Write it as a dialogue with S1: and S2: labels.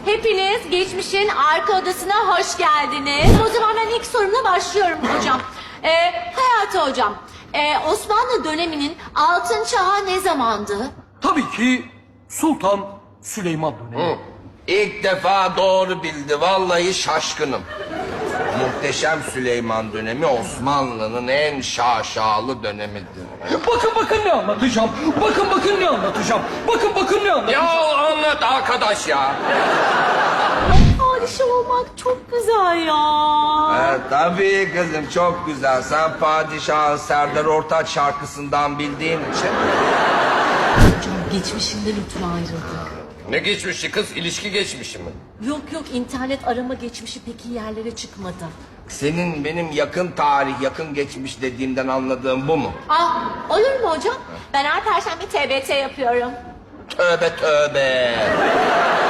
S1: Hepiniz geçmişin arka odasına hoş geldiniz. O zaman ben ilk sorumla başlıyorum hocam. Hayati hocam, Osmanlı döneminin altın çağı ne zamandı?
S2: Tabii ki Sultan Süleyman dönemi.
S3: İlk defa doğru bildi. Vallahi şaşkınım. Muhteşem Süleyman dönemi Osmanlı'nın en şaşalı dönemidir.
S2: Bakın ne anlatacağım. Bakın ne anlatacağım. Bakın ne anlatacağım.
S3: Ya anlat arkadaş ya.
S1: Padişah olmak çok güzel ya.
S3: Tabii kızım çok güzel. Sen padişahın Serdar Ortaç şarkısından bildiğin için.
S1: Hocam geçmişinden ötürü ayrıldık.
S3: Ne geçmişi kız? İlişki geçmişi mi?
S1: Yok internet arama geçmişi pek iyi yerlere çıkmadı.
S3: Senin benim yakın tarih, yakın geçmiş dediğimden anladığım bu mu?
S1: Olur mu hocam? Ben her perşembe TBT yapıyorum.
S3: Tövbe tövbe.